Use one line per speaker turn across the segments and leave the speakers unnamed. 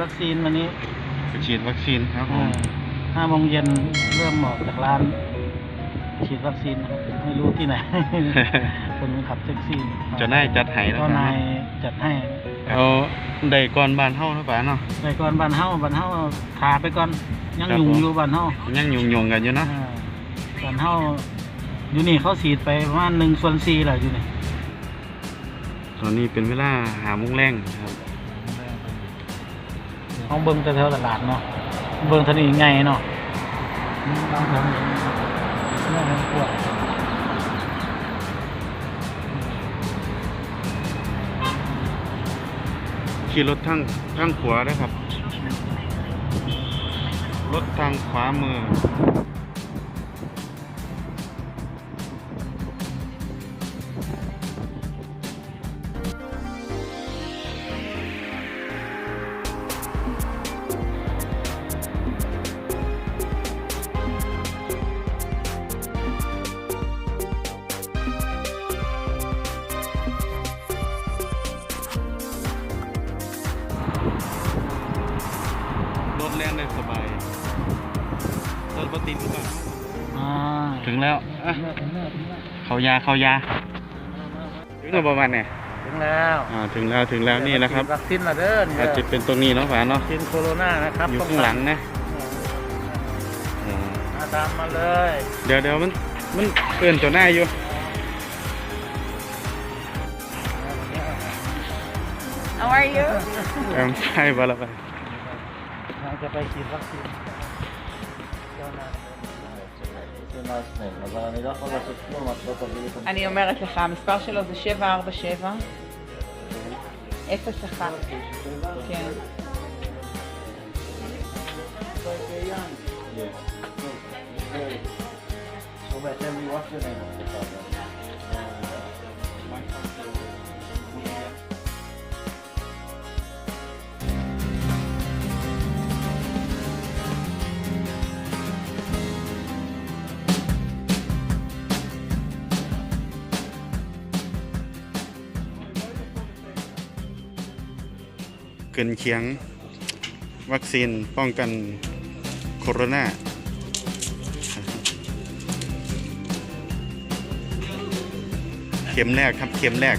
วัคซีนวันนี้
ไปฉีดวัคซีนครับผม
5 โมงเย็นเริ่มออกจากร้านฉีดวัคซีนไม่รู้ที่ไหน คนขับแท็กซี่
จะนายจัดให้แล้ว
ก็นายจัดให้
เอาได้ก่อนบ้านเฮานะป่าเนาะ
ได้ก่อนบ้านเฮาขาไปก่อนยังยุ่งอยู่บ้านเฮา
ยังยุ่งกันอยู่นะ
บ้านเฮาอยู่นี่เขาฉีดไปประมาณ1/4แล้วอยู่นี่
ตอนนี้เป็นเวลา5 โมงแรงครับ
ห้องเบิ่งแถวตลาดเนาะเบิ่งถนนไงเนาะบางแถวนี่ปวด
ขี่รถทางขวาได้ครับรถทางขวามือรถแล่นได้สบายรถปติดหรือเปล่าถึงแล้วเขายาถึงแล้วประมาณเนี่ย
ถึงแล้ว
ถึงแล้วนี่นะครับ
วัคซีนละเด้อ
อาจจะเป็นตรงนี้เนาะฝาเนาะ
วัคซีนโคโรนานะครับ
อยู่ข้างหลังนะ
ตามมาเลย
เดี๋ยวมันเปื้อนตัวหน้าอยู่
How are you?
ใช่ป่ะล่ะไป
จะไปฉีดวัคซีน
אני אומרת לך, המספר שלו זה 747 01. כן.
เกินเคียงวัคซีนป้องกันโคโรนาเข็มแรกครับเข็มแรก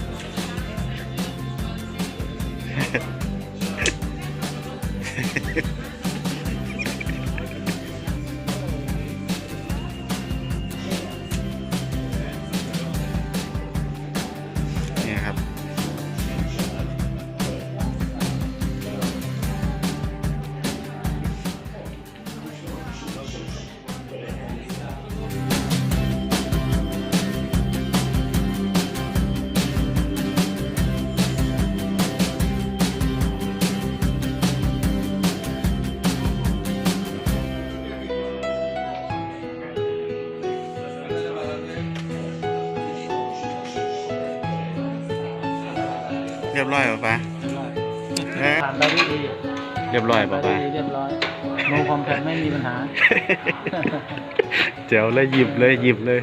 นี่ครับเรียบร้อยป่ะป้า
ผ่านไปด้วยดี
เรียบร้อยป่ะป้า
เรียบร้อยโนคอมแพคไม่มีปัญหา
เจ๋วเลยหยิบเลย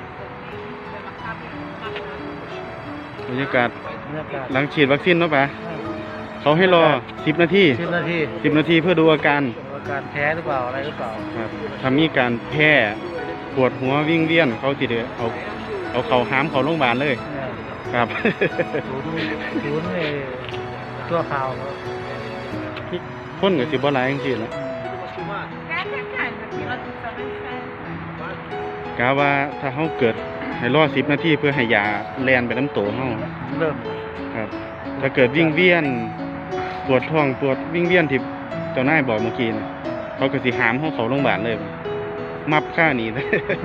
บรรยากาศหลังฉีดวัคซีนเนาะป้าเขาให้รอ10 นาที10 นาทีเพื่อดูอาการ
แพ้หรือเปล่าอะไรหรือเปล่า
ครับถ้ามีการแพ้ปวดหัววิ่งเวียนเขาติดเอาเขาห้ามเขาโรงพยาบาลเลยครับ
ศูนย์ตัวข่าว
พ่นกับสิบอะไรจริงๆนะกะว่าถ้าเขาเกิดให้รอ10 นาทีเพื่อให้ยาแลนไปน้ำโตเขา
เริ่ม
ครับถ้าเกิดวิ่งเวียนปวดท้องปวดวิ่งเวียนที่เจ้านายบอกเมื่อกี้เขาก็สิหามเขาโรงพยาบาลเลยมับค่านี้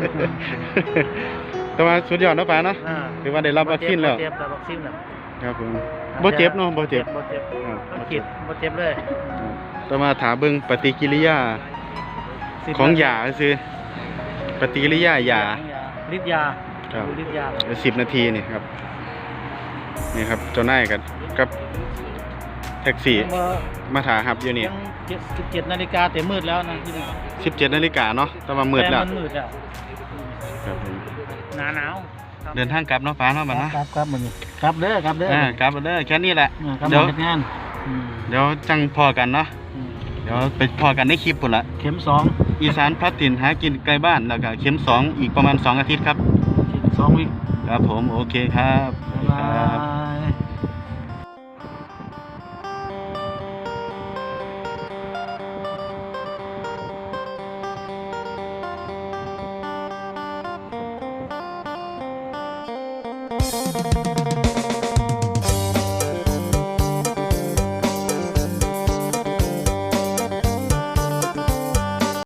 แต่ว่าสุดยอดนะป้าเนาะถือว่าได้รับวัคซีนแล้วครับผมบ่เจ็บเนาะบ่เจ็บ
เลย
แต่มาถามเบิ่งปฏิกิริยาของยาคือปฏิกิริยายา
ฤทธิ์ยา
ครับ10 นาทีนี่ครับนี่ครับเจ้านายกับแท็กซี่มาถาหับอยู่นี่
17 นาฬิกาแต่มืดแล้วนะที่นี่
17 นาฬิกาเนาะแต่ว่ามืดแล้ว
ครับหนาว
เดินทางกลับเนาะฟ้าเนาะบัดนะครับ
มันกลับเด้อกลับเด้อ
แค่นี้แหละ
เดี๋ยวจัง
พอกันเนาะเดี๋ยวไปพอกันในคลิปปุ่นละ
เข็มสอง
อีสานพัดถิ่นหากินไกลบ้านแล้วก็เข็ม2อีกประมาณ2 อาทิตย์ครับ
2 วิค
ครับผมโอเคครับ
บ๊ายบาย